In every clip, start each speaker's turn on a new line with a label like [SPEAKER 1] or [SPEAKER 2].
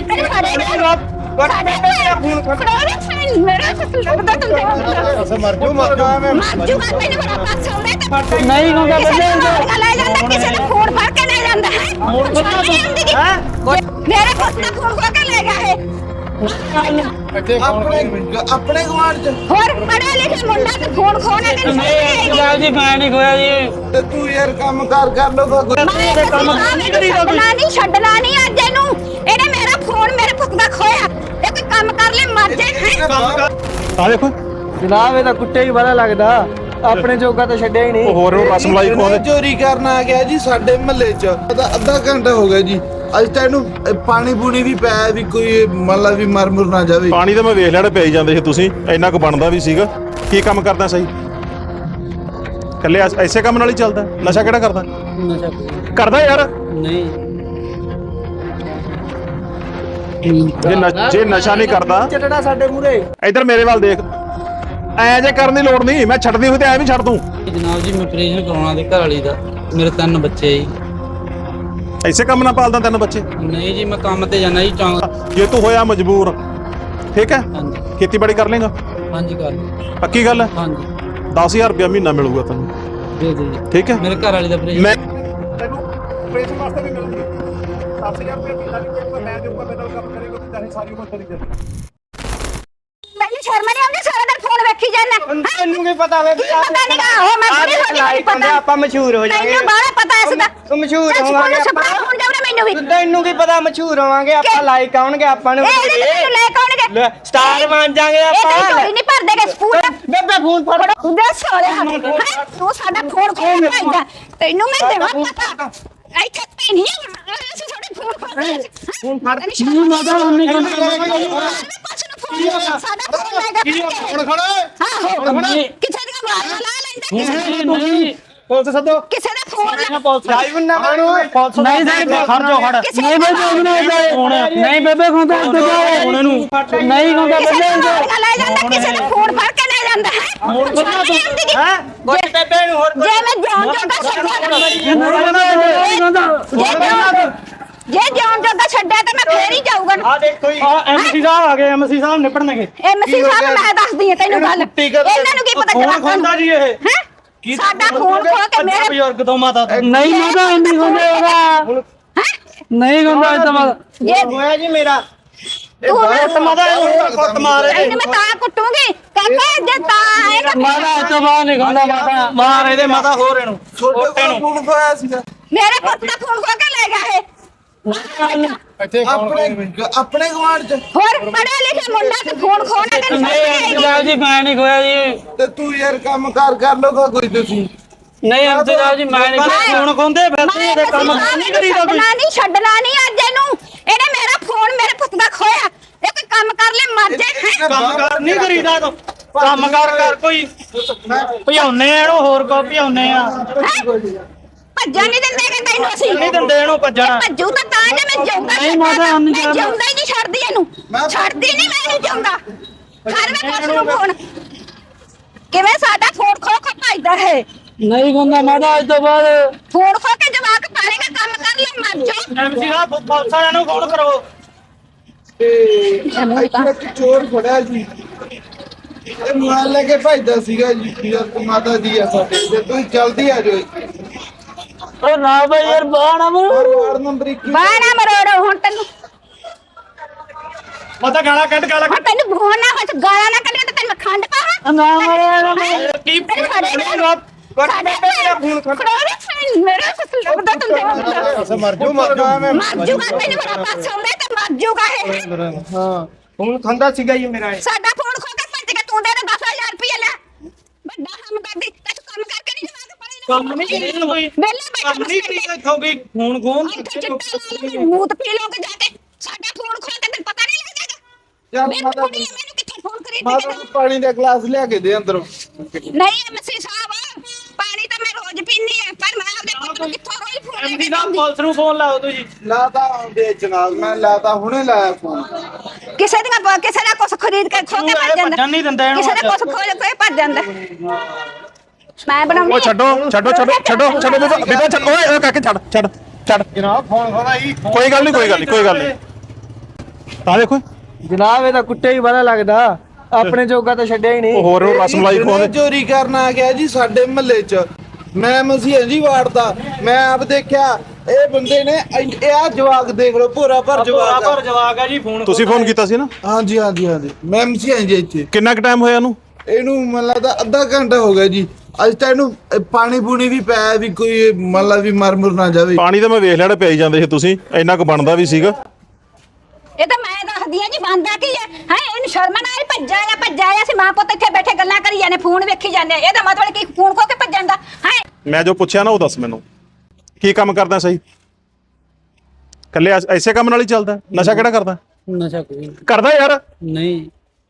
[SPEAKER 1] तेरे सारे नहीं होगा किसी ने फोन भर के ले जाता है मेरे पुत का फोन खो के ले गया है
[SPEAKER 2] अपने गवांढ च
[SPEAKER 1] और पढ़े लिखे मुंडा ते फोन खोने के
[SPEAKER 3] जी मैं नहीं खोया जी
[SPEAKER 2] ਤੇ ਤੂੰ ਯਾਰ ਕੰਮ ਕਰ ਲੋ
[SPEAKER 1] ਨਹੀਂ ਛੱਡਣਾ ਨਹੀਂ ਅੱਜ ਇਹਨੂੰ ਇਹਨੇ ਮੇਰਾ ਫੋਨ ਮੇਰੇ ਪੁੱਤ ਦਾ ਖੋਇਆ ਇਹ ਕੋਈ ਕੰਮ ਕਰ ਲੈ ਮਰ ਜੇ
[SPEAKER 4] ਆ ਦੇਖੋ
[SPEAKER 5] ਜਨਾਬ ਇਹਦਾ ਕੁੱਤੇ ਹੀ ਬੜਾ ਲੱਗਦਾ ਆਪਣੇ ਜੋਗਾ ਤਾਂ ਛੱਡਿਆ ਹੀ ਨਹੀਂ
[SPEAKER 4] ਉਹ ਹੋਰ ਨੂੰ ਰਸਮਲਾਈ ਖਵਾਉਂਦੇ
[SPEAKER 2] ਚੋਰੀ ਕਰਨ ਆ ਗਿਆ ਜੀ ਸਾਡੇ ਮਹੱਲੇ ਚ ਅੱਧਾ ਘੰਟਾ ਹੋ ਗਿਆ ਜੀ ਅੱਜ ਤਾਂ ਇਹਨੂੰ ਪਾਣੀ ਪੂਣੀ ਵੀ ਪਿਆ ਵੀ ਕੋਈ ਮਤਲਬ ਵੀ ਮਰ ਮੁਰ ਨਾ ਜਾਵੇ
[SPEAKER 4] ਪਾਣੀ ਤਾਂ ਮੈਂ ਵੇਖ ਲੈਣਾ ਪਈ ਜਾਂਦੇ ਸੀ ਤੁਸੀਂ ਇੰਨਾ ਕੁ ਬਣਦਾ ਵੀ ਸੀਗਾ ਕੀ ਕੰਮ ਕਰਦਾ ਸਹੀ ਕੱਲੇ ਐਸੇ ਕੰਮ ਨਾਲ ਹੀ ਚੱਲਦਾ ਨਸ਼ਾ ਕਿਹੜਾ ਕਰਦਾ
[SPEAKER 5] ਨਸ਼ਾ
[SPEAKER 4] ਕਰਦਾ ਯਾਰ
[SPEAKER 5] ਨਹੀਂ
[SPEAKER 4] ਜੇ ਨਸ਼ਾ ਨਹੀਂ ਕਰਦਾ
[SPEAKER 5] ਚਟੜਾ ਸਾਡੇ ਮੂਰੇ
[SPEAKER 4] ਇੱਧਰ ਮੇਰੇ ਵੱਲ ਦੇਖ ਐ ਜੇ ਕਰਨ ਦੀ ਲੋੜ ਨਹੀਂ ਮੈਂ ਛੱਡਦੀ ਹੋਈ ਤੇ ਐ ਵੀ ਛੱਡ ਦੂੰ
[SPEAKER 3] ਜਨਾਬ ਜੀ ਮੈਂ ਆਪਰੇਸ਼ਨ ਕਰਾਉਣਾ ਤੇ ਘਰ ਵਾਲੀ ਦਾ ਮੇਰੇ 3 ਬੱਚੇ ਜੀ
[SPEAKER 4] ਐਸੇ ਕੰਮ ਨਾਲ ਪਾਲਦਾ ਤੈਨੂੰ ਬੱਚੇ
[SPEAKER 3] ਨਹੀਂ ਜੀ ਮੈਂ ਕੰਮ ਤੇ ਜਾਣਾ ਜੀ ਚੌਂਕ
[SPEAKER 4] ਜੇ ਤੂੰ ਹੋਇਆ ਮਜਬੂਰ ਠੀਕ ਹੈ
[SPEAKER 3] ਹਾਂਜੀ
[SPEAKER 4] ਖੇਤੀਬਾੜੀ ਕਰ ਲੇਗਾ
[SPEAKER 3] ਹਾਂਜੀ ਕਰ ਲਓ।
[SPEAKER 4] ਪੱਕੀ ਗੱਲ ਹੈ
[SPEAKER 3] ਹਾਂਜੀ
[SPEAKER 4] 10000 ਰੁਪਇਆ ਮਹੀਨਾ ਮਿਲੂਗਾ ਤੈਨੂੰ
[SPEAKER 3] ਦੇ ਦਿਓ ਜੀ
[SPEAKER 4] ਠੀਕ ਹੈ
[SPEAKER 3] ਮੇਰੇ ਘਰ ਵਾਲੀ ਦਾ ਆਪਰੇਸ਼ਨ
[SPEAKER 4] ਮੈਂ
[SPEAKER 6] ਤੈਨੂੰ ਆਪਰੇਸ਼ਨ ਵਾਸਤੇ ਵੀ ਮਿਲਦੀ 10000 ਰੁਪਏ ਮਹੀਨਾ ਵੀ ਕੋਈ ਮੈਂ ਦੇ ਉੱਪਰ ਮੈਡਲ ਕੰਮ ਕਰੇਗਾ ਤੇ ਚਾਹੇ ਸਾਰੀ ਉਮਰ ਕਰੀ ਜਾਵੇ
[SPEAKER 1] ਮੈਨੂੰ ਸ਼ਰਮ ਨਹੀਂ ਆਉਂਦੀ ਸਾਰਾ ਦਿਨ ਫੋਨ ਵੇਖੀ ਜਾਂਦਾ
[SPEAKER 5] ਤੈਨੂੰ ਕੀ ਪਤਾ ਵੇ
[SPEAKER 1] ਪਤਾ ਨਹੀਂਗਾ ਉਹ ਮੈਂ ਬੜੀ ਹੋ ਗਈ ਪਤਾ
[SPEAKER 5] ਆਪਾਂ ਮਸ਼ਹੂਰ ਹੋ ਜਾਵਾਂਗੇ
[SPEAKER 1] ਤੈਨੂੰ ਬਾਹਲਾ ਪਤਾ ਇਸ ਦਾ
[SPEAKER 5] ਤੂੰ ਮਸ਼ਹੂਰ ਹੋਵਾਂਗੇ
[SPEAKER 1] ਸਪਨਾ ਫੋਨ ਜਾਉਣਾ ਮੈਨੂੰ ਵੀ
[SPEAKER 5] ਤੈਨੂੰ ਕੀ ਪਤਾ ਮਸ਼ਹੂਰ ਹੋਵਾਂਗੇ ਆਪਾਂ ਲਾਈਕ ਆਉਣਗੇ ਆਪਾਂ ਨੂੰ
[SPEAKER 1] ਇਹ ਤੈਨੂੰ ਲੈ ਕੌਣਗੇ
[SPEAKER 5] ਲੈ, ਸਟਾਰ ਬਣ ਜਾਾਂਗੇ
[SPEAKER 1] ਇਹ
[SPEAKER 5] ਆਪਾਂ
[SPEAKER 1] ਕੋਈ ਨਹੀਂ ਭਰਦੇਗੇ ਸਕੂਲ
[SPEAKER 5] ਬੇਬੇ ਫੋਨ ਫੜ
[SPEAKER 1] ਦੱਸ ਹੋਇਆ ਤੂੰ ਸਾਡਾ ਫੋਨ ਖੋਲ ਭਾਈਦਾ ਤੈਨੂੰ ਮੈਂ ਦੇਵਾਂ ਪਤਾ ਇੱਥੇ ਤੇ ਨਹੀਂ ਅਸੀਂ ਤੁਹਾਡੇ ਫੋਨ
[SPEAKER 5] ਫੋਨ ਫੜ
[SPEAKER 1] ਨਹੀਂ ਮਾਦਾ ਉਹਨੇ ਸਾਡਾ ਫੋਨ ਲੈ ਗਿਆ
[SPEAKER 6] ਹੁਣ ਖੜਾ
[SPEAKER 1] ਕਿਸੇ ਦਾ ਮਾਰ ਲਾ ਲੈਂਦਾ
[SPEAKER 3] ਨਹੀਂ
[SPEAKER 5] ਪੁਲਿਸ ਸੱਦੋ
[SPEAKER 1] ਕਿਸੇ ਦਾ ਫੋਨ ਲੈ
[SPEAKER 5] ਲਾਈਵ ਨਾ ਬਣੋ ਪੁਲਿਸ
[SPEAKER 3] ਨਹੀਂ ਸਰ ਖੜ ਜਾ ਖੜ
[SPEAKER 1] ਨਹੀਂ ਬੇਬੇ
[SPEAKER 3] ਨਹੀਂ ਬੇਬੇ ਖੁੰਦਾ ਇੱਥੇ ਹੁਣ ਇਹਨੂੰ ਨਹੀਂ ਖੁੰਦਾ
[SPEAKER 1] ਕਿਸੇ ਦਾ ਮਾਰ ਲੈ ਜਾਂਦਾ ਕਿਸੇ ਦਾ ਫੋਨ ਫੜ ਕੇ ਲੈ ਜਾਂਦਾ ਹੈ
[SPEAKER 5] ਹੈ ਕੋਈ ਬੇਬੇ ਨੂੰ ਹੋਰ
[SPEAKER 1] ਜੇ ਮੈਂ ਜਾਣ ਜੋਗਾ ਜੇ ਜਾਣ ਜੋਗਾ ਛੱਡਿਆ ਤਾਂ ਮੈਂ ਫੇਰ ਹੀ ਜਾਊਗਾ
[SPEAKER 5] ਆ ਦੇਖੋ ਜੀ
[SPEAKER 3] ਐਮਸੀ ਸਾਹਿਬ ਆ ਗਏ ਐਮਸੀ ਸਾਹਿਬ ਨਿਪੜਨਗੇ
[SPEAKER 1] ਐਮਸੀ ਸਾਹਿਬ ਮੈਂ ਦੱਸਦੀ ਹਾਂ ਤੈਨੂੰ ਗੱਲ ਇਹਨਾਂ ਨੂੰ ਕੀ ਪਤਾ
[SPEAKER 3] ਫੋਨ ਖੁੰਦਾ ਜੀ ਇਹ
[SPEAKER 1] ਹੈ ਸਾਡਾ ਫੋਨ ਖੋ ਕੇ ਮੇਰੇ
[SPEAKER 3] ਬਜ਼ੁਰਗ ਤੋਂ ਮਾਤਾ ਨਹੀਂ ਮਾਤਾ ਨਹੀਂ ਖੁੰਦੇ ਉਹਦਾ ਨਹੀਂ ਖੁੰਦਾ ਇਹ ਤਾਂ
[SPEAKER 1] ਜੇ
[SPEAKER 5] ਹੋਇਆ ਜੀ ਮੇਰਾ
[SPEAKER 1] ਤੂੰ
[SPEAKER 5] ਮਾਤਾ ਕੁੱਟ ਮਾਰੇ
[SPEAKER 1] ਇਹਨੂੰ ਮੈਂ ਤਾਂ ਕੁੱਟੂਗੀ ਕਾਕਾ ਜੇ ਤਾਂ ਆਏਗਾ
[SPEAKER 3] ਮਾਤਾ ਇਹ ਤੋਂ ਬਾਹਰ ਨਹੀਂ ਖੁੰਦਾ ਮਾਤਾ ਮਾਰ ਇਹਦੇ ਮਾਤਾ ਹੋਰ ਇਹਨੂੰ
[SPEAKER 2] ਛੋਟੇ ਨੂੰ ਫੋਨ ਖੋਇਆ ਸੀਗਾ
[SPEAKER 1] ਮੇਰੇ ਪੁੱਤ ਦਾ ਫੋਨ ਖੋ ਕੇ ਲੈ ਗਿਆ ਇਹ
[SPEAKER 2] ਆਪਣੇ ਗਵਾਂਢ ਚ
[SPEAKER 1] ਹੋਰ ਪੜ੍ਹੇ ਲਿਖੇ ਮੁੰਡਾ ਤੇ ਫੋਨ ਖੋਣਾ ਤੇ
[SPEAKER 3] ਨਹੀਂ ਜਨਾਬ ਜੀ ਮੈਂ ਨਹੀਂ ਖੋਇਆ ਜੀ
[SPEAKER 2] ਤੇ ਤੂੰ ਯਾਰ ਕੰਮ ਕਰ ਲੋਗਾ ਕੋਈ ਤੁਸੀਂ
[SPEAKER 3] ਨਹੀਂ ਜਨਾਬ ਜੀ ਮੈਂ ਨਹੀਂ ਫੋਨ ਖੁੰਦੇ ਫਿਰਦੇ ਇਹਦੇ ਕੰਮ ਨਹੀਂ ਕਰੀਦਾ ਕੋਈ
[SPEAKER 1] ਨਹੀਂ ਛੱਡਣਾ ਨਹੀਂ ਅੱਜ ਇਹਨੂੰ ਇਹਨੇ ਮੇਰਾ ਫੋਨ ਮੇਰੇ ਪੁੱਤ ਦਾ ਖੋਇਆ ਇਹ ਕੋਈ ਕੰਮ ਕਰ ਲੈ ਮਰ ਜੇ
[SPEAKER 3] ਕੰਮ ਕਰ ਨਹੀਂ ਕਰੀਦਾ ਤੂੰ ਕੰਮ ਕਰ ਕੋਈ ਭਜਾਉਨੇ ਆ ਇਹਨੂੰ ਹੋਰ ਕੋ ਭਜਾਉਨੇ ਆ
[SPEAKER 1] ਭੱਜਣ ਨਹੀਂ ਦਿੰਦੇ ਕਿ ਤੈਨੂੰ ਅਸੀਂ
[SPEAKER 3] ਨਹੀਂ ਦਿੰਦੇ ਇਹਨੂੰ ਭੱਜਣਾ
[SPEAKER 1] ਭੱਜੂ ਤਾਂ ਜੇ ਮੈਂ ਜਾਊਂਗਾ
[SPEAKER 3] ਨਹੀਂ ਮਾਤਾ, ਹੁਣ ਨਹੀਂ
[SPEAKER 1] ਮੈਂ
[SPEAKER 3] ਜਾਣਾ।
[SPEAKER 1] ਜਾਊਂਗਾ ਹੀ ਨਹੀਂ ਛੱਡਦੀ ਇਹਨੂੰ ਛੱਡਦੀ ਨਹੀਂ ਮੈਂ ਨਹੀਂ ਜਾਊਂਗਾ ਘਰ ਵਿੱਚ ਪੁੱਛ ਨੂੰ ਫੋਨ ਕਿਵੇਂ ਸਾਡਾ ਫੋਨ ਖੋ ਕੇ ਭੱਜਦਾ ਹੈ
[SPEAKER 3] ਨਹੀਂ ਖੁੰਦਾ ਮਾਤਾ ਅੱਜ ਤੋਂ ਬਾਅਦ
[SPEAKER 1] ਫੋਨ ਖੋ ਕੇ ਜਵਾਕ ਪਾਲੇਗਾ ਕੰਮ ਕਰ ਲੈ ਮਰ ਜਾ
[SPEAKER 3] ਐਮਸੀ ਸਾਹਿਬ ਪੁਲਿਸ ਵਾਲਿਆਂ ਨੂੰ ਫੋਨ ਕਰੋ
[SPEAKER 2] ਇੱਥੇ ਇੱਕ ਚੋਰ ਫੜਿਆ ਜੀ ਇਹ ਮਾਲ ਲੈ ਕੇ ਭੱਜਦਾ ਸੀਗਾ ਜੀ ਯਾਰ ਮਾਤਾ ਦੀ ਆ ਸਾਡੇ ਤੇ ਤੁਸੀਂ ਜਲਦੀ ਆ ਜਾਓ
[SPEAKER 3] ਉਹ ਨਾ ਬਈ ਯਾਰ ਬਾਣਾ
[SPEAKER 2] ਵਾਰਡ ਨੰਬਰ 21
[SPEAKER 1] ਬਾਣਾ ਮਰੋੜੋ ਹੁਣ ਤੈਨੂੰ
[SPEAKER 3] ਮਾਤਾ ਗਾਲਾਂ ਕੱਢ ਗਾਲਾਂ
[SPEAKER 1] ਹੁਣ ਤੈਨੂੰ ਫੋਨ ਨਾ ਹੋਇਆ ਗਾਲਾਂ ਨਾ ਕੱਢੇ ਤਾਂ ਤੈਨੂੰ ਮੈਂ ਖੰਡ ਪਾਵਾਂ
[SPEAKER 3] ਨਾ ਮਾਰੇ ਕੀ
[SPEAKER 1] ਸਾਡੇ ਫੋਨ ਮੇਰੇ ਕੋਲ ਲੱਗਦਾ ਤੂੰ
[SPEAKER 6] ਮਰ ਜਾਓ
[SPEAKER 1] ਮਰ ਜੂਗਾ ਤੈਨੂੰ ਬੜਾ ਪਾਸ ਆਉਂਦਾ ਤੇ ਮਰ ਜੂਗਾ ਇਹ
[SPEAKER 5] ਹਾਂ ਫੋਨ ਖੰਦਾ ਸੀਗਾ ਜੀ ਮੇਰਾ
[SPEAKER 1] ਸਾਡਾ ਫੋਨ ਖੋ ਕੇ ਭੱਜ ਕੇ ਤੂੰ ਦੇ 10000 ਰੁਪਏ ਲੈ ਵੱਡਾ ਕੰਮ ਕਰਦੀ ਤੇ ਤੂੰ ਕੰਮ ਕਰਕੇ ਨਹੀਂ ਜਵਾਕ ਪੜੇ
[SPEAKER 3] ਕੰਮ ਨਹੀਂ ਕਰੀਦਾ ਕੋਈ
[SPEAKER 1] ਵੇਲੇ
[SPEAKER 3] ਕੰਮ ਨਹੀਂ ਕਰੀਦਾ ਇੱਥੋਂ ਵੀ ਫੋਨ ਖੋਨ
[SPEAKER 1] ਮੂਤ ਪੀ ਲੋਗੇ ਜਾ ਕੇ ਸਾਡਾ ਫੋਨ ਖੋ ਕੇ ਤੈਨੂੰ ਪਤਾ ਨਹੀਂ ਲੱਗੇਗਾ
[SPEAKER 2] ਯਾਰ
[SPEAKER 1] ਮੈਨੂੰ
[SPEAKER 2] ਮਾਤਾ
[SPEAKER 1] ਕਿੱਥੇ ਫੋਨ ਕਰੀ
[SPEAKER 2] ਮਾਤਾ ਨੂੰ ਪਾਣੀ ਦਾ ਗਲਾਸ ਲਿਆ ਕੇ ਦੇ ਅੰਦਰੋਂ
[SPEAKER 1] ਨਹੀਂ ਐਮਸੀ ਸਾਹਿਬ ਪਾਣੀ ਤਾਂ ਮੈਂ ਰੋਜ਼ ਪੀਨੀ ਹੈ ਪਰ ਮੈਂ ਆਪਦੇ ਪੁੱਤ ਨੂੰ ਕਿੱਥੋਂ ਰੋਜ਼ ਫੋਨ ਲੈ
[SPEAKER 3] ਐਮਸੀ
[SPEAKER 1] ਕੇ
[SPEAKER 3] ਸਾਹਿਬ ਪੁਲਿਸ ਨੂੰ ਫੋਨ ਲਾਓ ਤੁਸੀਂ
[SPEAKER 2] ਲਾਤਾ ਦੇ ਜਨਾਬ ਮੈਂ ਲਾਤਾ ਹੁਣੇ ਲਾਇਆ ਫੋਨ
[SPEAKER 1] ਕਿਸੇ ਦਾ ਕੁਛ ਖਰੀਦ ਕੇ ਖੋ ਕੇ ਭੱਜ ਜਾਂਦਾ
[SPEAKER 3] ਭੱਜਣ ਨਹੀਂ ਦਿੰਦਾ ਇਹਨੂੰ
[SPEAKER 1] ਕਿਸੇ ਦਾ ਕੁਛ ਖੋ ਕੇ ਭੱਜ ਜਾਂਦਾ ਮੈਂ ਬਣਾਉਂਦੀ
[SPEAKER 4] ਉਹ ਛੱਡੋ ਬੀਬਾ ਛੱਡ ਓਏ ਕਾਕੇ ਛੱਡ
[SPEAKER 6] ਜਨਾਬ ਫੋਨ ਖੋਦਾ ਜੀ
[SPEAKER 4] ਕੋਈ ਗੱਲ ਨਹੀਂ ਤਾਂ ਦੇਖੋ
[SPEAKER 5] ਜਨਾਬ ਇਹ ਤਾਂ ਕੁੱਟੇ ਹੀ ਪਤਾ ਲੱਗਦਾ, ਆਪਣੇ ਜੋਗਾ ਤਾਂ ਛੱਡਿਆ ਹੀ
[SPEAKER 4] ਉਹ
[SPEAKER 5] ਨਹੀਂ।
[SPEAKER 4] ਹੋਰ ਉਹ ਰਸਮਲਾਈ
[SPEAKER 2] ਇਹਨੇ
[SPEAKER 4] ਖਵਾਉਂਦੇ।
[SPEAKER 2] ਚੋਰੀ ਕਰਨ ਆ ਗਿਆ ਜੀ ਸਾਡੇ ਮਹੱਲੇ 'ਚ। ਮੈਂ ਮਸੀਹ ਜੀ ਵਾੜਦਾ, ਮੈਂ ਆਪ ਦੇਖਿਆ ਇਹ ਬੰਦੇ ਨੇ ਇਹ ਆ ਜਵਾਕ ਦੇਖ ਲਓ, ਭੋਰਾ ਭਰ ਜਵਾਕ ਆ।
[SPEAKER 3] ਜਵਾਕ ਆ ਜੀ ਫੋਨ
[SPEAKER 4] ਤੁਸੀਂ ਫੋਨ ਕੀਤਾ ਸੀ ਨਾ?
[SPEAKER 2] ਹਾਂਜੀ ਹਾਂਜੀ ਹਾਂਜੀ, ਮੈਂ ਮਸੀਹ ਜੀ ਇੱਥੇ।
[SPEAKER 4] ਕਿੰਨਾ ਕੁ ਟਾਈਮ ਹੋਇਆ ਇਹਨੂੰ?
[SPEAKER 2] ਇਹਨੂੰ ਮੈਨੂੰ ਲੱਗਦਾ ਅੱਧਾ ਘੰਟਾ ਹੋ ਗਿਆ ਜੀ। ਅੱਜ ਤਾਂ ਇਹਨੂੰ ਪਾਣੀ ਪੂਣੀ ਵੀ ਪਿਆ ਵੀ ਕੋਈ ਮਤਲਬ ਵੀ ਮਰ ਮੁਰ ਨਾ ਜਾਵੇ।
[SPEAKER 4] ਪਾਣੀ ਤਾਂ ਮੈਂ ਵੇਖ ਲੈਣਾ ਪਿਆਈ ਜਾਂਦੇ ਸੀ ਤੁਸੀਂ, ਇੰਨਾ ਕੁ ਬਣਦਾ ਵੀ ਸੀਗਾ।
[SPEAKER 1] ਇਹ ਤਾਂ ਮੈਂ ਦੱਸਦੀ ਆ ਜੀ, ਬੰਦਾ ਕੀ ਹੈ ਇਹਨੂੰ ਸ਼ਰਮ ਨਾਲ ਭੱਜਾ ਆ ਅਸੀਂ ਮਾਂ ਪੁੱਤ ਇੱਥੇ ਬੈਠੇ ਗੱਲਾਂ ਕਰੀ ਜਾਂਦੇ, ਫੋਨ ਵੇਖੀ ਜਾਂਦੇ। ਇਹਦਾ ਮਤਲਬ ਕੀ ਫੋਨ ਖੋ ਕੇ ਭੱਜਣ ਦਾ ਹੈ?
[SPEAKER 4] ਮੈਂ ਜੋ ਪੁੱਛਿਆ ਨਾ ਉਹ ਦੱਸ ਮੈਨੂੰ, ਕੀ ਕੰਮ ਕਰਦਾ ਸਹੀ? ਕੱਲੇ ਐਸੇ ਕੰਮ ਨਾਲ ਹੀ ਚੱਲਦਾ? ਨਸ਼ਾ ਕਿਹੜਾ ਕਰਦਾ?
[SPEAKER 5] ਨਸ਼ਾ ਕੋਈ
[SPEAKER 4] ਕਰਦਾ ਯਾਰ।
[SPEAKER 5] ਨਹੀਂ।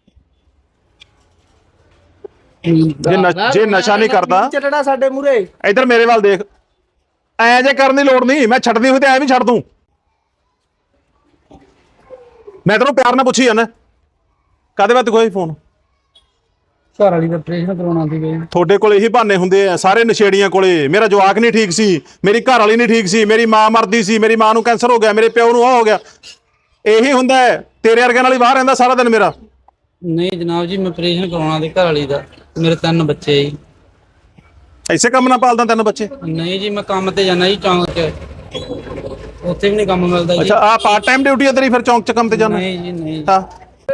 [SPEAKER 4] ਜੇ ਨਸ਼ਾ ਨਹੀਂ ਕਰਦਾ
[SPEAKER 5] ਚੱਟਣਾ ਸਾਡੇ ਮੂਰੇ।
[SPEAKER 4] ਇੱਧਰ ਮੇਰੇ ਵੱਲ ਦੇਖ, ਐ ਜੇ ਕਰਨ ਦੀ ਲੋੜ ਨਹੀਂ, ਮੈਂ ਛੱਡਦੀ ਹੋਈ ਤੇ ਐ ਵੀ ਛੱਡ ਦੂੰ। ਮੈਂ ਤੈਨੂੰ ਪਿਆਰ ਨਾਲ ਪੁੱਛੀ ਜਾਂਦਾ, ਕਾਹਦੇ ਵਾਸਤੇ ਕੋਈ ਫੋਨ?
[SPEAKER 5] ਘਰ ਵਾਲੀ ਦਾ ਆਪਰੇਸ਼ਨ ਕਰਾਉਣਾ ਸੀ ਗਏ।
[SPEAKER 4] ਤੁਹਾਡੇ ਕੋਲ ਇਹੀ ਬਹਾਨੇ ਹੁੰਦੇ ਆ ਸਾਰੇ ਨਸ਼ੇੜੀਆਂ ਕੋਲੇ। ਮੇਰਾ ਜਵਾਕ ਨਹੀਂ ਠੀਕ ਸੀ, ਮੇਰੀ ਘਰ ਵਾਲੀ ਨਹੀਂ ਠੀਕ ਸੀ, ਮੇਰੀ ਮਾਂ ਮਰਦੀ ਸੀ, ਮੇਰੀ ਮਾਂ ਨੂੰ ਕੈਂਸਰ ਹੋ ਗਿਆ, ਮੇਰੇ ਪਿਓ ਨੂੰ ਆ ਹੋ ਗਿਆ। ਇਹੀ ਹੁੰਦਾ ਹੈ। ਤੇਰੇ ਵਰਗਿਆਂ ਨਾਲ ਹੀ ਬਾਹਰ ਰਹਿੰਦਾ ਸਾਰਾ ਦਿਨ ਮੇਰਾ।
[SPEAKER 7] ਨਹੀਂ ਜਨਾਬ ਜੀ, ਮੈਂ ਆਪਰੇਸ਼ਨ ਕਰਾਉਣਾ ਤੇ ਘਰ ਵਾਲੀ ਦਾ, ਮੇਰੇ 3 ਬੱਚੇ ਜੀ।
[SPEAKER 4] ਐਸੇ ਕੰਮ ਨਾਲ ਪਾਲਦਾ 3 ਬੱਚੇ?
[SPEAKER 7] ਨਹੀਂ ਜੀ, ਮੈਂ ਕੰਮ ਤੇ ਜਾਣਾ ਜੀ ਚੌਂਕ 'ਚ, ਉੱਥੇ ਵੀ ਨਹੀਂ ਕੰਮ ਮਿਲਦਾ ਜੀ।
[SPEAKER 4] ਅੱਛਾ, ਆ ਪਾਰਟ ਟਾਈਮ ਡਿਊਟੀ ਹੈ ਤੇਰੀ ਫਿਰ ਚੌਂਕ 'ਚ ਕੰਮ ਤੇ ਜਾਣਾ?
[SPEAKER 7] ਨਹੀਂ ਜੀ ਨਹੀਂ।
[SPEAKER 4] ਹਾਂ,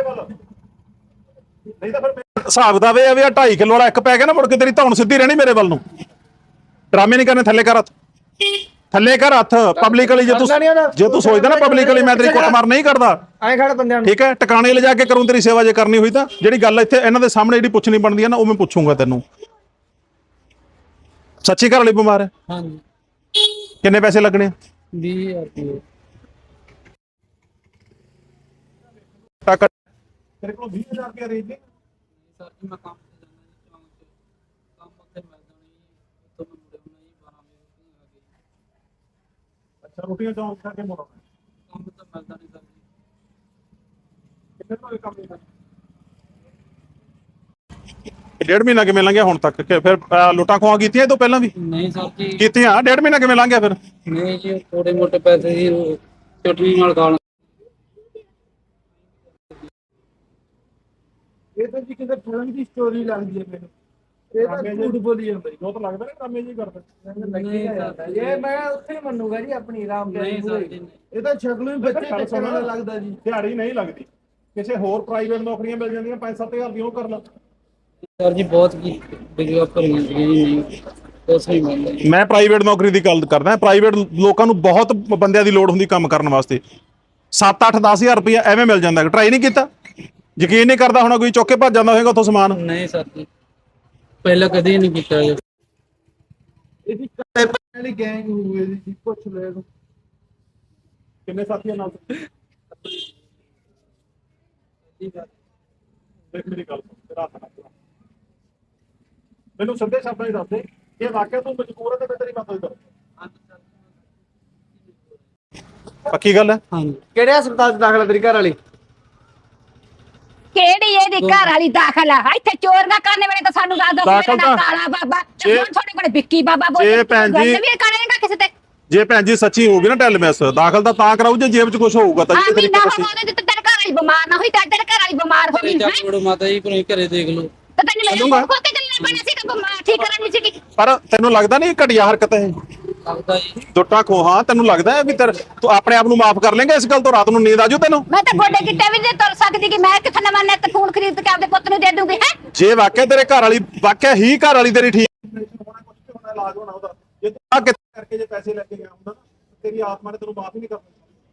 [SPEAKER 4] ਹਿਸਾਬ ਦਾ ਵੇ ਆ ਵੀ 2.5 ਕਿਲੋ ਵਾਲਾ ਇੱਕ ਪੈ ਗਿਆ ਨਾ, ਮੁੜ ਕੇ ਤੇਰੀ ਧੌਣ ਸਿੱਧੀ ਰਹਿਣੀ ਮੇਰੇ ਵੱਲ ਨੂੰ। ਡਰਾਮੇ ਨਹੀਂ ਕਰਨੇ, ਥੱਲੇ ਕਰ ਹੱਥ, ਥੱਲੇ ਕਰ ਹੱਥ ਪਬਲਿਕਲੀ। ਜੇ ਤੂੰ ਸੋਚਦਾ ਨਾ ਪਬਲਿਕਲੀ ਮੈਂ ਤੇਰੀ ਕੁੱਟਮਾਰ ਨਹੀਂ ਕਰਦਾ,
[SPEAKER 5] ਐਂ ਖੜ ਬੰਦਿਆਂ ਨੂੰ।
[SPEAKER 4] ਠੀਕ ਹੈ, ਟਿਕਾਣੇ ਲਿਜਾ ਕੇ ਕਰੂੰ ਤੇਰੀ ਸੇਵਾ ਜੇ ਕਰਨੀ ਹੋਈ ਤਾਂ। ਜਿਹੜੀ ਗੱਲ ਇੱਥੇ ਇਹਨਾਂ ਦੇ ਸਾਹਮਣੇ ਜਿਹੜੀ ਪੁੱਛਣੀ ਬਣਦੀ ਹੈ ਨਾ, ਉਹ ਮੈਂ ਪੁੱਛੂੰਗਾ ਤੈਨੂੰ। ਸੱਚੀ ਘਰ ਵਾਲੀ ਬਿਮਾਰ ਹੈ?
[SPEAKER 7] ਹਾਂਜੀ।
[SPEAKER 4] ਕਿੰਨੇ ਪੈਸੇ ਲੱਗਣੇ ਆ?
[SPEAKER 7] 20,000 ਰੁਪਏ।
[SPEAKER 6] ਤੇਰੇ ਕੋਲ 20,000 ਰੁਪਏ ਅਰੇਂਜ ਨਹੀਂ?
[SPEAKER 7] ਸਰ ਜੀ ਮੈਂ ਕੰਮ ਤੇ ਜਾਣਾ ਜੀ ਚੌਂਕ 'ਚ, ਕੰਮ ਉੱਥੇ ਮਿਲਦਾ ਨਹੀਂ ਜੀ, ਉੱਥੋਂ ਮੈਂ ਮੁੜੇ ਹੋਣਾ ਜੀ 12 ਵਜੇ ਆ ਗਏ।
[SPEAKER 6] ਅੱਛਾ, ਰੋਟੀਆਂ ਚੌਂਕ ਖਾ ਕੇ ਮੋੜਨਾ।
[SPEAKER 7] ਕੰਮ ਤਾਂ ਮਿਲਦਾ ਨਹੀਂ ਸਰ ਜੀ।
[SPEAKER 6] ਕਿੰਨੇ ਤੋਂ ਇਹ ਕੰਮ ਨਹੀਂ ਕਰਨਾ?
[SPEAKER 4] 1.5 ਮਹੀਨਾ ਕਿਵੇਂ ਲੰਘਿਆ ਹੁਣ ਤੱਕ? ਕਿ ਫਿਰ ਲੁੱਟਾਂ ਖੋਹਾਂ ਕੀਤੀਆਂ ਇਹ ਤੋਂ ਪਹਿਲਾਂ ਵੀ?
[SPEAKER 7] ਨਹੀਂ ਸਰ ਜੀ।
[SPEAKER 4] ਕੀਤੀਆਂ। 1.5 ਮਹੀਨਾ ਕਿਵੇਂ ਲੰਘਿਆ ਫਿਰ?
[SPEAKER 7] ਨਹੀਂ ਜੀ, ਥੋੜੇ ਮੋਟੇ ਪੈਸੇ ਦੀ ਚਟਨੀ ਨਾਲ ਖਾ
[SPEAKER 2] ਇਹ ਤਾਂ ਜੀ ਕਿਤੇ ਫਿਲਮ ਦੀ ਸਟੋਰੀ ਲੱਗਦੀ ਹੈ ਮੈਨੂੰ। ਇਹ ਤਾਂ ਝੂਠ ਬੋਲੀ ਜਾਂਦਾ ਜੀ।
[SPEAKER 6] ਉਹ ਤਾਂ ਲੱਗਦਾ ਨਾ ਡਰਾਮੇ ਜੀ ਕਰਦੇ।
[SPEAKER 5] ਇਹ ਮੈਂ ਉੱਥੇ ਹੀ ਮੰਨੂਗਾ ਜੀ ਆਪਣੀ ਆਰਾਮ ਤੇ।
[SPEAKER 7] ਨਹੀਂ ਸਰ ਜੀ।
[SPEAKER 2] ਇਹ ਤਾਂ ਸ਼ਕਲੋਂ ਹੀ ਬੱਚੇ ਚੱਕਣ ਵਾਲਾ ਲੱਗਦਾ ਜੀ।
[SPEAKER 6] ਦਿਹਾੜੀ ਨਹੀਂ ਲੱਗਦੀ, ਕਿਸੇ ਹੋਰ ਪ੍ਰਾਈਵੇਟ ਨੌਕਰੀਆਂ ਮਿਲ ਜਾਂਦੀਆਂ 5-7 ਹਜ਼ਾਰ ਦੀ, ਉਹ ਕਰ ਲਾ।
[SPEAKER 7] ਸਰ ਜੀ ਬਹੁਤ ਕੀ ਵੀਡੀਓ ਭਰੀਆਂ ਸੀਗੀਆਂ ਜੀ, ਨਹੀਂ ਕੁਛ ਨਹੀਂ ਮਿਲਦਾ ਜੀ।
[SPEAKER 4] ਮੈਂ ਪ੍ਰਾਈਵੇਟ ਨੌਕਰੀ ਦੀ ਗੱਲ ਕਰਦਾ। ਪ੍ਰਾਈਵੇਟ ਲੋਕਾਂ ਨੂੰ ਬਹੁਤ ਬੰਦਿਆਂ ਦੀ ਲੋੜ ਹੁੰਦੀ ਕੰਮ ਕਰਨ ਵਾਸਤੇ। 7-8-10 ਹਜ਼ਾਰ ਰੁਪਇਆ ਐਵੇਂ ਮਿਲ ਜਾਂਦਾ। ਟਰਾਈ ਨਹੀਂ ਕੀਤਾ? ਯਕੀਨ ਨਹੀਂ ਕਰਦਾ ਹੋਣਾ ਕੋਈ, ਚੁੱਕ ਕੇ ਭੱਜ ਜਾਂਦਾ ਹੋਏਗਾ ਉੱਥੋਂ ਸਮਾਨ।
[SPEAKER 7] ਨਹੀਂ ਸਰ ਜੀ, ਪਹਿਲਾਂ ਕਦੇ ਨਹੀਂ ਕੀਤਾ ਜੀ।
[SPEAKER 2] ਇਹਦੀ ਕਾਲੇ ਵਾਲੀ ਗੈਂਗ ਹੋਵੇ ਜੀ, ਪੁੱਛ ਲੈ ਇਹਨੂੰ।
[SPEAKER 6] ਕਿੰਨੇ ਸਾਥੀਆਂ ਨਾਲ? ਦੇਖ ਮੇਰੀ ਗੱਲ ਸੁਣ, ਤੇਰਾ ਹੱਥ ਨਾ ਖਿਲਾ। ਮੈਨੂੰ ਸਿੱਧੇ ਸ਼ਬਦਾਂ ਹੀ ਦੱਸ ਦੇ, ਇਹ ਵਾਕਿਆ ਤੂੰ ਮਜਬੂਰ ਹੈ ਤੇ ਮੈਂ ਤੇਰੀ ਮਦਦ ਕਰਾਂ।
[SPEAKER 4] ਪੱਕੀ ਗੱਲ ਹੈ?
[SPEAKER 7] ਹਾਂਜੀ।
[SPEAKER 5] ਕਿਹੜੇ ਹਸਪਤਾਲ 'ਚ ਦਾਖਲ ਹੈ ਤੇਰੀ ਘਰ ਵਾਲੀ?
[SPEAKER 1] ਕਿਹੜੀ ਇਹਦੀ ਘਰ ਵਾਲੀ ਦਾਖਲ ਆ? ਇੱਥੇ ਚੋਰ ਨਾ ਕਰਨੇ ਵੇਲੇ ਤਾਂ ਸਾਨੂੰ ਦੱਸ ਦੋ
[SPEAKER 4] ਦਾਖਲ ਤਾਂ-
[SPEAKER 1] ਕਾਲਾ ਬਾਬਾ
[SPEAKER 4] ਜੇ-
[SPEAKER 1] ਤੁਹਾਡੇ ਕੋਲ ਵਿੱਕੀ ਬਾਬਾ ਬੋਲ
[SPEAKER 4] ਜੇ ਭੈਣ ਜੀ-
[SPEAKER 1] ਵੀ ਕਰੇਗਾ ਕਿਸੇ ਤੇ।
[SPEAKER 4] ਜੇ ਭੈਣ ਜੀ ਸੱਚੀ ਹੋਊਗੀ ਨਾ ਟੈਲਮੈਸ, ਦਾਖਲ ਤਾਂ ਕਰਾਊ ਜੇ ਜੇਬ 'ਚ ਕੁਝ ਹੋਊਗਾ ਤਾਂ।
[SPEAKER 1] ਹਾਂ
[SPEAKER 4] ਜੀ ਤੇਰੀ
[SPEAKER 1] ਮਹੀਨਾ
[SPEAKER 4] ਕਿਸੇ
[SPEAKER 1] ਹੋਣਾ ਤੇ ਤੇਰੇ ਘਰ ਵਾਲੀ ਬਿਮਾਰ ਨਾ ਹੋਈ ਤਾਂ ਤੇਰੇ ਘਰ ਵਾਲੀ ਬਿਮਾਰ ਹੋ ਗਈ ਹੈ
[SPEAKER 7] ਚੱਕ ਵੜੋ ਮਾਤਾ ਜੀ, ਪਰ ਘਰੇ ਦੇਖ ਲਓ।
[SPEAKER 1] ਤਾਂ ਤੈਨੂੰ ਮੇਰੇ
[SPEAKER 4] ਚੱਲੂਗਾ।
[SPEAKER 1] ਕੋਲ ਤੇ ਚੱਲਣਾ ਪੈਣਾ ਸੀ ਕਿ ਬਿਮਾਰ ਠੀਕ ਕਰਨੀ ਸੀ।
[SPEAKER 4] ਪਰ ਤੈਨੂੰ ਲੱਗਦਾ ਨਹੀਂ ਘਟੀਆ ਹਰਕਤ ਹੈ?
[SPEAKER 7] ਲੱਗਦਾ ਜੀ।
[SPEAKER 4] ਦੁੱਟਾਂ ਖੋਹਾਂ ਤੈਨੂੰ ਲੱਗਦਾ ਹੈ ਵੀ ਤੂੰ ਆਪਣੇ ਆਪ ਨੂੰ ਮਾਫ ਕਰ ਲੇਂਗਾ ਇਸ ਗੱਲ ਤੋਂ? ਰਾਤ ਨੂੰ ਨੀਂਦ ਆਜੂ ਤੈਨੂੰ?
[SPEAKER 1] ਮੈਂ ਤਾਂ ਗੋਡੇ ਗਿੱਟੇ ਵੀ ਨਹੀਂ ਤੁਰ ਸਕਦੀ ਕਿ ਮੈਂ ਕਿੱਥੇ ਨਵਾਂ ਨੈਟ ਫੋਨ ਖਰੀਦ ਕੇ ਆਪਦੇ ਪੁੱਤ ਨੂੰ ਦੇ ਦੂੰਗੀ ਹੈ।
[SPEAKER 4] ਜੇ ਵਾਕਿਆ ਤੇਰੇ ਘਰ ਵਾਲੀ, ਵਾਕਿਆ ਹੀ ਘਰ ਵਾਲੀ ਤੇਰੀ ਠੀਕ
[SPEAKER 6] ਹੋਣਾ ਕੁਝ ਵੀ ਹੋਣਾ, ਇਲਾਜ ਹੋਣਾ ਉਹਦਾ। ਜੇ ਤੂੰ
[SPEAKER 4] ਆ ਕਿ
[SPEAKER 6] ਕਰਕੇ ਜੇ ਪੈਸੇ ਲੈ ਕੇ ਗਿਆ ਹੁੰਦਾ ਨਾ, ਤੇਰੀ ਆਤਮਾ ਨੇ ਤੈਨੂੰ ਮਾਫ ਹੀ ਨਹੀਂ ਕਰਨਾ।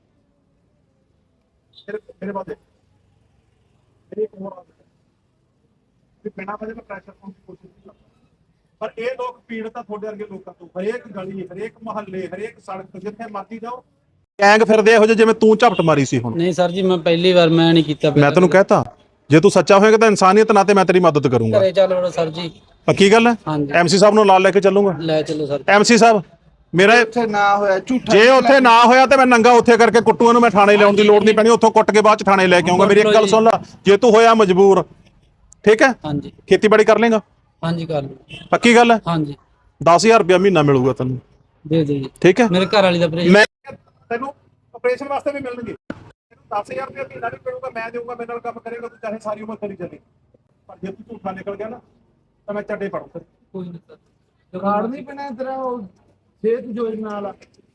[SPEAKER 6] ਮੇਰੇ ਬਾਅਦ ਮੇਰੀ ਇੱਕ ਹੋਰ ਆਦਤ ਹੈ ਕਿ ਬਿਨਾਂ ਵਜ੍ਹਾ ਤੋਂ ਪ੍ਰੈਸ਼ਰ ਪਾਉਣ ਦੀ ਕੋਸ਼ਿਸ਼ ਨਹੀਂ ਕਰਦਾ। ਪਰ ਇਹ ਲੋਕ ਪੀੜਤ ਆ ਤੁਹਾਡੇ ਵਰਗੇ ਲੋਕਾਂ ਤੋਂ। ਹਰੇਕ ਗਲੀ, ਹਰੇਕ ਮੁਹੱਲੇ, ਹਰੇਕ ਸੜਕ, ਜਿੱਥੇ ਮਰਜ਼ੀ ਜਾਓ,
[SPEAKER 4] ਗੈਂਗ ਫਿਰਦੇ ਇਹੋ ਜਿਹੇ ਜਿਵੇਂ ਤੂੰ ਝਪਟ ਮਾਰੀ ਸੀ ਹੁਣ।
[SPEAKER 7] ਨਹੀਂ ਸਰ ਜੀ, ਮੈਂ ਪਹਿਲੀ ਵਾਰ ਮੈਂ ਨਹੀਂ ਕੀਤਾ।
[SPEAKER 4] ਮੈਂ ਤੈਨੂੰ ਕਹਿਤਾ ਜੇ ਤੂੰ ਸੱਚਾ ਹੋਏਗਾ ਤਾਂ ਇਨਸਾਨੀਅਤ ਨਾਤੇ ਮੈਂ ਤੇਰੀ ਮਦਦ ਕਰੂੰਗਾ।
[SPEAKER 7] ਘਰੇ ਚੱਲ ਵੜੋ ਸਰ ਜੀ।
[SPEAKER 4] ਪੱਕੀ ਗੱਲ ਹੈ?
[SPEAKER 7] ਹਾਂਜੀ।
[SPEAKER 4] ਐਮਸੀ ਸਾਹਿਬ ਨੂੰ ਨਾਲ ਲੈ ਕੇ ਚੱਲੂੰਗਾ।
[SPEAKER 7] ਲੈ ਚਲੋ ਸਰ।
[SPEAKER 4] ਐਮਸੀ ਸਾਹਿਬ ਮੇਰਾ
[SPEAKER 2] ਉੱਥੇ ਨਾ ਹੋਇਆ ਝੂਠਾ।
[SPEAKER 4] ਜੇ ਉੱਥੇ ਨਾ ਹੋਇਆ ਤੇ ਮੈਂ ਨੰਗਾ ਉੱਥੇ ਕਰਕੇ ਕੁੱਟੂਆਂ ਨੂੰ ਮੈਂ ਥਾਣੇ ਲਿਆਉਣ ਦੀ ਲੋੜ ਨਹੀਂ ਪੈਣੀ। ਉੱਥੋਂ ਕੁੱਟ ਕੇ ਬਾਅਦ ਚ ਥਾਣੇ ਲੈ ਕੇ ਆਉਂਗਾ। ਮੇਰੀ ਇੱਕ ਗੱਲ ਸੁਣ ਲੈ, ਜੇ ਤੂੰ ਹੋਇਆ ਮਜਬੂਰ, ਠੀਕ ਹੈ,
[SPEAKER 7] ਹਾਂਜੀ।
[SPEAKER 4] ਖੇਤੀਬਾੜੀ ਕਰ ਲੇਗਾ?
[SPEAKER 7] ਹਾਂਜੀ ਕਰ ਲਓ।
[SPEAKER 4] ਪੱਕੀ ਗੱਲ ਹੈ?
[SPEAKER 7] ਹਾਂਜੀ
[SPEAKER 4] 10,000 ਰੁਪਇਆ ਮਹੀਨਾ ਮਿਲੂਗਾ ਤੈਨੂੰ,
[SPEAKER 7] ਦੇ ਦਿਓ ਜੀ।
[SPEAKER 4] ਠੀਕ ਹੈ?
[SPEAKER 7] ਮੇਰੇ ਘਰ ਵਾਲੀ ਦਾ ਆਪਰੇਸ਼ਨ।
[SPEAKER 4] ਮੈਂ
[SPEAKER 6] ਤੈਨੂੰ ਆਪਰੇਸ਼ਨ ਵਾਸਤੇ ਵੀ ਮਿਲਣਗੇ। 10,000 ਰੁਪਏ ਮਹੀਨਾ ਨਹੀਂ ਮਿਲੂਗਾ, ਮੈਂ ਦੇਊਂਗਾ, ਮੇਰੇ ਨਾਲ ਕੰਮ ਕਰੇਗਾ ਤੂੰ, ਚਾਹੇ ਸਾਰੀ ਉਮਰ ਕਰੀ ਚੱਲੇ। ਪਰ ਜੇ ਤੂੰ ਝੂਠਾ ਨਿਕਲ ਗਿਆ ਨਾ ਤਾਂ ਮੈਂ ਚੱਡੇ ਪੜੂ ਫਿਰ।
[SPEAKER 7] ਕੋਈ ਨਹੀਂ ਸਰ।
[SPEAKER 5] ਕਾਰਡ ਨਹੀਂ ਬਣਿਆ ਤੇਰਾ ਉਹ ਸਿਹਤ ਯੋਜਨਾ ਵਾਲਾ?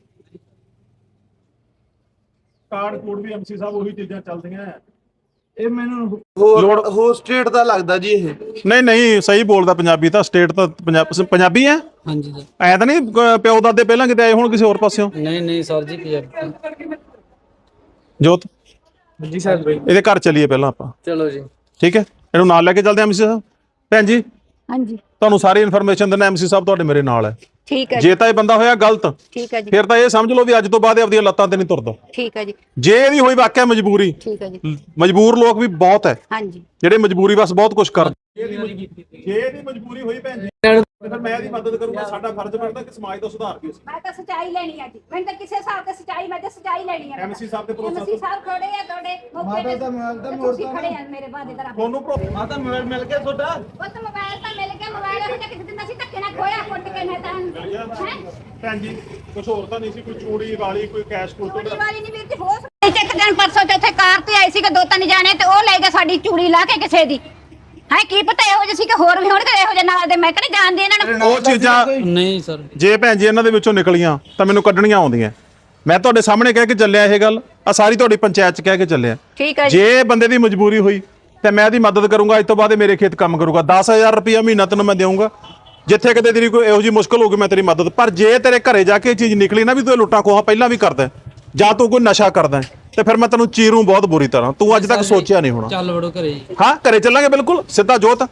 [SPEAKER 6] ਕਾਰਡ ਕੋਡ ਵੀ ਐਮਸੀ ਸਾਹਿਬ ਉਹੀ ਚੀਜ਼ਾਂ ਚੱਲਦੀਆਂ ਹੈ।
[SPEAKER 5] ਇਹ ਮੈਨੂੰ
[SPEAKER 2] ਹੋਰ ਸਟੇਟ ਦਾ ਲੱਗਦਾ ਜੀ ਇਹ।
[SPEAKER 4] ਨਹੀਂ ਨਹੀਂ ਸਹੀ ਬੋਲਦਾ, ਪੰਜਾਬੀ ਤਾਂ ਸਟੇਟ ਤਾਂ ਪੰਜਾਬੀ ਹੈ।
[SPEAKER 7] ਹਾਂਜੀ ਸਰ।
[SPEAKER 4] ਐ ਤਾਂ ਨਹੀਂ ਪਿਓ ਦਾਦੇ ਪਹਿਲਾਂ ਕਿਤੇ ਆਏ ਹੋਣ ਕਿਸੇ ਹੋਰ ਪਾਸਿਓਂ?
[SPEAKER 7] ਨਹੀਂ ਸਰ ਜੀ ਪੰਜਾਬੀ।
[SPEAKER 4] ਜੋਤ
[SPEAKER 5] ਜੀ ਸਰ।
[SPEAKER 4] ਇਹਦੇ ਘਰ ਚੱਲੀਏ ਪਹਿਲਾਂ ਆਪਾਂ,
[SPEAKER 7] ਚਲੋ ਜੀ।
[SPEAKER 4] ਠੀਕ ਹੈ? ਇਹਨੂੰ ਨਾਲ ਲੈ ਕੇ ਚੱਲਦੇ ਐਮਸੀ ਸਾਹਿਬ। ਭੈਣ ਜੀ
[SPEAKER 1] ਹਾਂਜੀ
[SPEAKER 4] ਤੁਹਾਨੂੰ ਸਾਰੀ ਇਨਫੋਰਮੇਸ਼ਨ ਦੇਣਾ, ਐਮਸੀ ਸਾਹਿਬ ਤੁਹਾਡੇ ਮੇਰੇ ਨਾਲ ਹੈ।
[SPEAKER 1] ਠੀਕ ਹੈ ਜੀ,
[SPEAKER 4] ਜੇ ਤਾਂ ਇਹ ਬੰਦਾ ਹੋਇਆ ਗਲਤ,
[SPEAKER 1] ਠੀਕ ਹੈ ਜੀ,
[SPEAKER 4] ਫਿਰ ਤਾਂ ਇਹ ਸਮਝ ਲਓ ਵੀ ਅੱਜ ਤੋਂ ਬਾਅਦ ਇਹ ਆਪਣੀਆਂ ਲੱਤਾਂ ਤੇ ਨਹੀਂ ਤੁਰਦਾ।
[SPEAKER 1] ਠੀਕ ਹੈ ਜੀ,
[SPEAKER 4] ਜੇ ਇਹਦੀ ਹੋਈ ਵਾਕਿਆ ਮਜਬੂਰੀ,
[SPEAKER 1] ਠੀਕ ਹੈ ਜੀ,
[SPEAKER 4] ਮਜਬੂਰ ਲੋਕ ਵੀ ਬਹੁਤ ਹੈ
[SPEAKER 1] ਹਾਂਜੀ
[SPEAKER 4] ਜਿਹੜੇ ਮਜਬੂਰੀ ਬਸ ਬਹੁਤ ਕੁਝ ਕਰਦੇ।
[SPEAKER 6] ਜੇ ਇਹਦੀ ਮਜਬੂਰੀ ਹੋਈ ਭੈਣ ਜੀ ਫਿਰ ਮੈਂ ਇਹਦੀ ਮਦਦ ਕਰੂੰਗਾ। ਸਾਡਾ ਫਰਜ਼ ਬਣਦਾ ਕਿ ਸਮਾਜ ਦਾ ਸੁਧਾਰ ਕੀ ਅਸੀਂ।
[SPEAKER 1] ਮੈਂ ਤਾਂ ਸਚਾਈ ਲੈਣੀ ਆ ਜੀ, ਮੈਨੂੰ ਤਾਂ ਕਿਸੇ ਹਿਸਾਬ ਤੇ ਸਚਾਈ, ਮੈਂ ਤਾਂ ਸਚਾਈ ਲੈਣੀ ਆ।
[SPEAKER 6] ਐਮਸੀ ਸਾਹਿਬ ਤੇ ਭਰੋਸਾ
[SPEAKER 1] ਐਮਸੀ ਸਾਹਿਬ ਖੜੇ ਆ ਤੁਹਾਡੇ ਮੌਕੇ ਤੇ,
[SPEAKER 5] ਮਾਤਾ ਦਾ ਮੋਬਾਈਲ ਤਾਂ
[SPEAKER 1] ਤੁਸੀਂ
[SPEAKER 5] ਮੋੜਤਾ
[SPEAKER 1] ਖੜੇ ਆ ਮੇਰੇ ਬਾਦੇ ਦਾ।
[SPEAKER 6] ਤੁਹਾਨੂੰ
[SPEAKER 5] ਮਾਤਾ ਮੋਬਾਈਲ ਮਿਲ ਗਿਆ ਤੁਹਾਡਾ?
[SPEAKER 1] ਉਹ ਤਾਂ ਮੋਬਾਈਲ ਤਾਂ ਮਿਲ ਗਿਆ, ਮੋਬਾਈਲ ਉਹ ਕਿਸੇ ਦਿਨ ਅਸੀਂ ਧੱਕੇ ਨਾਲ ਖੋਇਆ, ਕੁੱਟ ਕੇ ਨਾ ਤਾਂ ਹੈ
[SPEAKER 6] ਭੈਣ ਜੀ ਕੁਝ ਹੋਰ ਤਾਂ ਨਹੀਂ ਸੀ, ਕੋਈ ਚੂੜੀ ਵਾਲੀ, ਕੋਈ ਕੈਸ਼ ਕੋਲ
[SPEAKER 1] ਚੂੜੀ ਵਾਲੀ ਨਹੀਂ ਵੀਰ ਜੀ, ਹੋ ਸਕਦਾ ਇੱਕ ਦਿਨ ਪਰਸੋਂ ਤੇ ਇੱਥੇ ਕਾਰ ਤੇ ਆਈ ਸੀ ਕਿ 2-3 ਜਾਣੇ ਤੇ ਉਹ ਲੈ ਗਏ ਸਾਡੀ ਚੂੜੀ ਲਾ ਕੇ ਕਿਸੇ ਦੀ। ਹੈ ਕੀ ਪਤਾ ਇਹੋ ਜਿਹੇ ਸੀ ਕਿ ਹੋਰ ਵੀ ਹੋਣਗੇ ਇਹੋ ਜਿਹੇ ਨਾਲ ਦੇ, ਮੈਂ ਕਹਿੰਦੀ ਜਾਣਦੀ ਇਹਨਾਂ ਨੂੰ।
[SPEAKER 4] ਉਹ ਚੀਜ਼ਾਂ
[SPEAKER 7] ਨਹੀਂ ਸਰ।
[SPEAKER 4] ਜੇ ਭੈਣ ਜੀ ਇਹਨਾਂ ਦੇ ਵਿੱਚੋਂ ਨਿਕਲੀਆਂ ਤਾਂ ਮੈਨੂੰ ਕੱਢਣੀਆਂ ਆਉਂਦੀਆਂ। ਮੈਂ ਤੁਹਾਡੇ ਸਾਹਮਣੇ ਕਹਿ ਕੇ ਚੱਲਿਆ ਇਹ ਗੱਲ, ਆ ਸਾਰੀ ਤੁਹਾਡੀ ਪੰਚਾਇਤ 'ਚ ਕਹਿ ਕੇ ਚੱਲਿਆ।
[SPEAKER 1] ਠੀਕ ਹੈ ਜੀ,
[SPEAKER 4] ਜੇ ਬੰਦੇ ਦੀ ਮਜਬੂਰੀ ਹੋਈ ਤੇ ਮੈਂ ਇਹਦੀ ਮਦਦ ਕਰੂੰਗਾ। ਅੱਜ ਤੋਂ ਬਾਅਦ ਇਹ ਮੇਰੇ ਖੇਤ ਕੰਮ ਕਰੂਗਾ। 10,000 ਰੁਪਇਆ ਮਹੀਨਾ ਤੈਨੂੰ ਮੈਂ ਦੇਵਾਂਗਾ। ਜਿੱਥੇ ਕਿਤੇ ਤੇਰੀ ਕੋਈ ਇਹੋ ਜਿਹੀ ਮੁਸ਼ਕਲ ਹੋਊਗੀ ਮੈਂ ਤੇਰੀ ਮਦਦ। ਪਰ ਜੇ ਤੇਰੇ ਘਰੇ ਜਾ ਕੇ ਇਹ ਚੀਜ਼ ਨਿਕਲੀ ਨਾ ਵੀ ਤੂੰ ਲੁੱਟਾਂ ਖੋਹਾਂ ਪਹਿਲਾਂ ਵੀ ਕਰਦਾ ਜਾਂ ਤੂੰ ਕੋਈ ਨਸ਼ਾ ਕਰਦਾ ਤੇ ਫਿਰ ਮੈਂ ਤੈਨੂੰ ਚੀਰੂ ਬਹੁਤ ਬੁਰੀ ਤਰ੍ਹਾਂ। ਤੂੰ ਅੱਜ ਤੱਕ ਸੋਚਿਆ ਨਹੀਂ ਹੋਣਾ।
[SPEAKER 7] ਚੱਲ ਵੜੋ ਘਰੇ ਜੀ।
[SPEAKER 4] ਹਾਂ ਘਰੇ ਚੱਲਾਂਗੇ ਬਿਲਕੁਲ ਸਿੱਧਾ। ਜੋਤ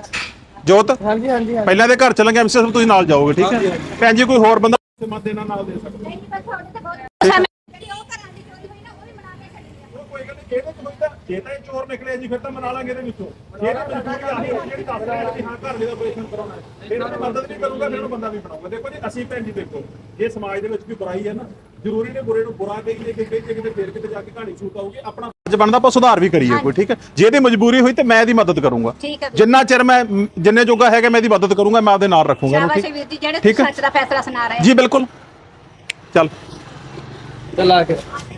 [SPEAKER 5] ਹਾਂਜੀ ਹਾਂਜੀ।
[SPEAKER 4] ਪਹਿਲਾਂ ਦੇ ਘਰ ਚੱਲਾਂਗੇ। ਐਮਸੀ ਸਾਹਿਬ ਤੁਸੀਂ ਨਾਲ ਜਾਓਗੇ, ਠੀਕ ਹੈ? ਭੈਣ ਜੀ ਕੋਈ ਹੋਰ ਬੰਦਾ
[SPEAKER 6] ਮਦਦ ਇਹਨਾਂ ਨਾਲ ਦੇ ਸਕਦਾ।
[SPEAKER 1] ਨਹੀਂ ਬਸ ਤੁਹਾਡੇ ਤੇ ਬਹੁਤ ਜਿਹੜੀ ਉਹ ਘਰਾਂ ਦੀ ਚੋਰੀ ਹੋਈ ਨਾ ਉਹ ਵੀ ਮਨਾ ਕੇ ਛੱਡੀ ਆ।
[SPEAKER 6] ਕੋਈ ਗੱਲ ਨਹੀਂ, ਇਹਦੇ ਚ ਹੋਈ ਤਾਂ ਜੇ ਤਾਂ ਇਹ ਚੋਰ ਨਿਕਲਿਆ ਜੀ ਫਿਰ ਤਾਂ ਮਨਾ ਲਾਂਗੇ ਇਹਦੇ ਵਿੱਚੋਂ। ਜੇ ਤਾਂ ਮਜਬੂਰੀ ਆਹੀ ਹੋਈ ਜਿਹੜੀ ਦੱਸ ਰਿਹਾ ਕਿ ਹਾਂ ਘਰ ਦੇ ਆਪਰੇਸ਼ਨ ਕਰਾਉਣਾ ਹੈ, ਫਿਰ ਮੈਂ ਮਦਦ ਨਹੀਂ ਕਰੂੰਗਾ, ਫਿਰ ਉਹਨੂੰ ਬੰਦਾ ਵੀ ਬਣਾਉਂਗਾ। ਦੇਖੋ ਜੀ ਅਸੀਂ ਭੈਣ ਜੀ ਦੇਖੋ, ਜੇ ਸਮਾਜ ਦੇ ਵਿੱਚ ਕੋਈ ਬੁਰਾਈ ਹੈ ਨਾ, ਜ਼ਰੂਰੀ ਨੇ ਬੁਰੇ ਨੂੰ ਬੁਰਾ ਕਹੀਏ ਕਿ ਕਿਤੇ ਫੇਰ ਕਿਤੇ ਜਾ ਕੇ ਕਹਾਣੀ ਸ਼ੂਟ ਆਊਗੀ। ਆਪਣਾ
[SPEAKER 4] ਅੱਜ ਬਣਦਾ ਆਪਾਂ ਸੁਧਾਰ ਵੀ ਕਰੀਏ ਕੋਈ, ਠੀਕ ਹੈ? ਜੇ ਇਹਦੀ ਮਜਬੂਰੀ ਹੋਈ ਤੇ ਮੈਂ ਇਹਦੀ ਮਦਦ ਕਰੂੰਗਾ।
[SPEAKER 1] ਠੀਕ ਹੈ।
[SPEAKER 4] ਜਿੰਨਾ ਚਿਰ ਮੈਂ ਜਿੰਨੇ ਜੋਗਾ ਹੈਗਾ ਮੈਂ ਇਹਦੀ ਮਦਦ ਕਰੂੰਗਾ। ਮੈਂ ਆਪਦੇ ਨਾਲ ਰੱਖੂੰਗਾ ਇਹਨੂੰ,
[SPEAKER 1] ਸ਼ਾਬਾਸ਼
[SPEAKER 4] ਠੀਕ?
[SPEAKER 1] ਵੀਰ ਜੀ, ਜਿਹੜੇ
[SPEAKER 4] ਠੀਕ ਹੈ।
[SPEAKER 1] ਸੱਚ ਦਾ ਫੈਸਲਾ ਸੁਣਾ ਰਹੇ ਆ।
[SPEAKER 4] ਜੀ ਬਿਲਕੁਲ। ਚੱਲ
[SPEAKER 7] ਚੱਲ ਆ ਕੇ